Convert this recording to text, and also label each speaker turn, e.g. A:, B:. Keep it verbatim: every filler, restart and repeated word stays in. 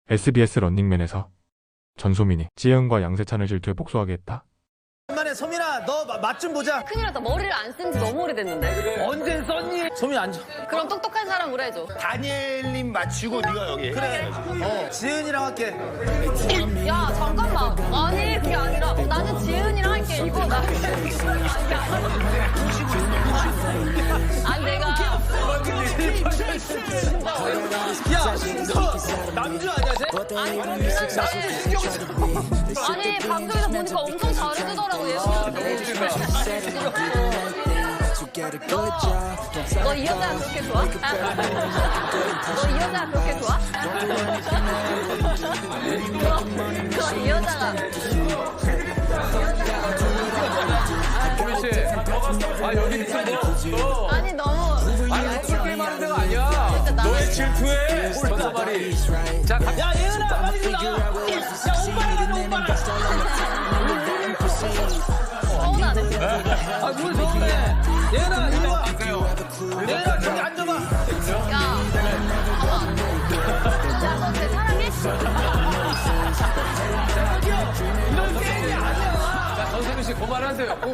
A: 에스비에스 런닝맨에서 전소민이 지혜은과 양세찬을 질투해 복수하게 했다.
B: 오랜만에 소민아 너 맛 좀 보자.
C: 큰일 났다. 머리를 안 쓴 지 너무 오래됐는데.
B: 언제 썼니? 소민 앉아.
C: 그럼 똑똑한 사람으로 해줘.
D: 다니엘님 맞추고 네가 여기.
B: 그래. 어 지은이랑 할게.
C: 야 잠깐만. 아니 그게 아니라 어, 나는 지은이랑 할게. 이거 나. 아니 내가.
B: 야, 너 남주 아니야 쟤?
C: 아니 아니 방송에서 보니까 엄청 잘해주더라고 예은이한테. 너 이 여자 그렇게 좋아? 너 이 여자 그렇게 좋아? 그럼 이 여자가
E: 소민 씨, 아 여기 있어.
C: 아니 너무
E: 아니 술 게임 하는 데가 아니야.
C: 진짜 나
E: 너의 질투에 전화말이. 자, 가.
B: 야 예은아 빨리 좀 나와. 야 오빠랑 하자 오빠랑.
C: 서운하네.
B: 아뭘 서운해. 예은아 이리 와. 예은아 저기 앉아봐.
C: 야, 봐봐. 야, 너 내 사랑해?
B: 이런 게임이 아니야.
E: 자, 전소민 씨 그만하세요.